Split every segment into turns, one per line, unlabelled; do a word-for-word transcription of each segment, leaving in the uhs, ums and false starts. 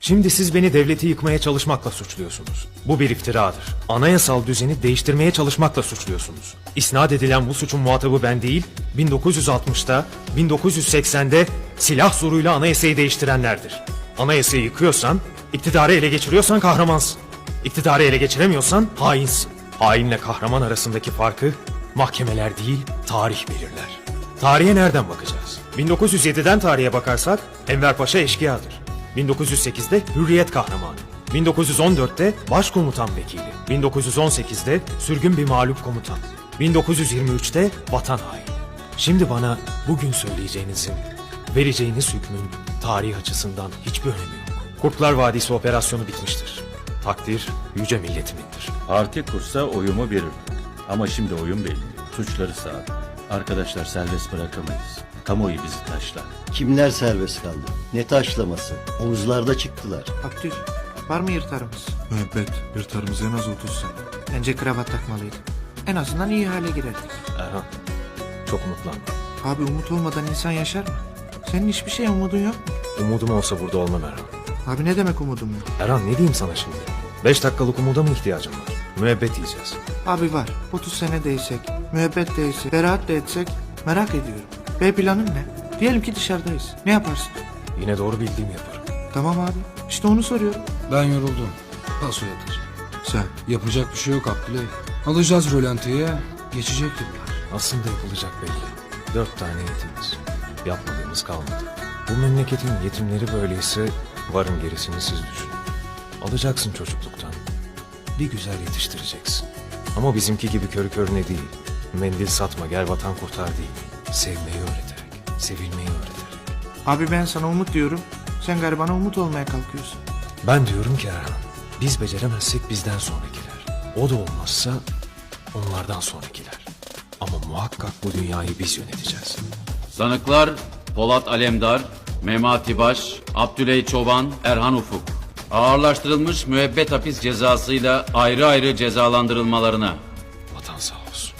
Şimdi siz beni devleti yıkmaya çalışmakla suçluyorsunuz. Bu bir iftiradır. Anayasal düzeni değiştirmeye çalışmakla suçluyorsunuz. İsnat edilen bu suçun muhatabı ben değil, bin dokuz yüz altmışta, bin dokuz yüz seksende silah zoruyla anayasayı değiştirenlerdir. Anayasayı yıkıyorsan, iktidarı ele geçiriyorsan kahramansın. İktidarı ele geçiremiyorsan hainsin. Hainle kahraman arasındaki farkı mahkemeler değil, tarih belirler. Tarihe nereden bakacağız? bin dokuz yüz yediden tarihe bakarsak Enver Paşa eşkıyadır. bin dokuz yüz sekizde Hürriyet kahramanı. bin dokuz yüz on dörtte Başkomutan vekili. bin dokuz yüz on sekizde sürgün bir mağlup komutan. bin dokuz yüz yirmi üçte vatan haini. Şimdi bana bugün söyleyeceğinizin, vereceğiniz hükmün tarih açısından hiçbir önemi yok. Kurtlar Vadisi operasyonu bitmiştir. Takdir yüce milletimindir.
Parti kursa oyumu veririm. Ama şimdi oyun belli. Suçları sağ. Arkadaşlar serbest bırakamayız. Kamuoyu bizi taşlar.
Kimler serbest kaldı? Ne taşlaması? Omuzlarda çıktılar.
Abdül, var mı yırtarımız?
Müebbet, yırtarımız en az otuz sene.
Bence kravat takmalıydık. En azından iyi hale girerdik.
Erhan, çok umutlanma.
Abi umut olmadan insan yaşar mı? Senin hiçbir şeye umudun yok mu?
Umudum olsa burada olmam Erhan.
Abi ne demek umudum yok?
Erhan ne diyeyim sana şimdi? Beş dakikalık umuda mı ihtiyacım var? Müebbet yiyeceğiz.
Abi var. otuz sene değsek, müebbet değsek, beraat de etsek merak ediyorum. B planın ne? Diyelim ki dışarıdayız. Ne yaparsın?
Yine doğru bildiğimi yaparım.
Tamam abi. İşte onu soruyorum.
Ben yoruldum. Paso yatır.
Sen,
Yapacak bir şey yok Abdüley. Alacağız rölantiye. Geçecek yıllar.
Aslında yapılacak belli. Dört tane yetimiz. Yapmadığımız kalmadı. Bu memleketin yetimleri böyleyse varın gerisini siz düşünün. Alacaksın çocukluktan. Bir güzel yetiştireceksin. Ama bizimki gibi körü körüne değil. Mendil satma gel vatan kurtar değil. Sevmeyi öğreterek, sevilmeyi öğreterek.
Abi ben sana umut diyorum. Sen garibana umut olmaya kalkıyorsun.
Ben diyorum ki Erhan, biz beceremezsek bizden sonrakiler. O da olmazsa onlardan sonrakiler. Ama muhakkak bu dünyayı biz yöneteceğiz.
Sanıklar Polat Alemdar, Memati Baş, Abdüley Çoban, Erhan Ufuk. Ağırlaştırılmış müebbet hapis cezasıyla ayrı ayrı cezalandırılmalarına.
Vatan sağ olsun.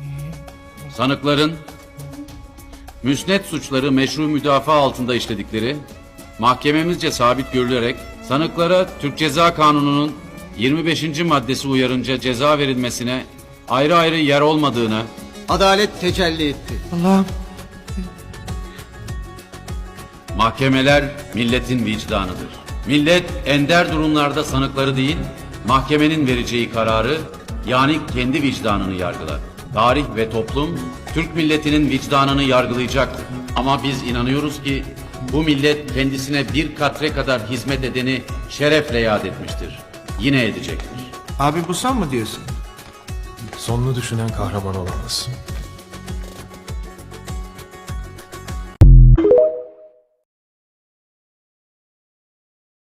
Sanıkların müsnet suçları meşru müdafaa altında işledikleri mahkememizce sabit görülerek sanıklara Türk Ceza Kanunu'nun yirmi beşinci maddesi uyarınca ceza verilmesine ayrı ayrı yer olmadığını,
Adalet tecelli etti.
Allah'ım.
mahkemeler milletin vicdanıdır. Millet ender durumlarda sanıkları değil, mahkemenin vereceği kararı yani kendi vicdanını yargılar. Tarih ve toplum Türk milletinin vicdanını yargılayacaktır. Ama biz inanıyoruz ki bu millet kendisine bir katre kadar hizmet edeni şerefle yad etmiştir. Yine edecektir.
Abi bu sen mı diyorsun?
Sonunu düşünen kahraman olamaz.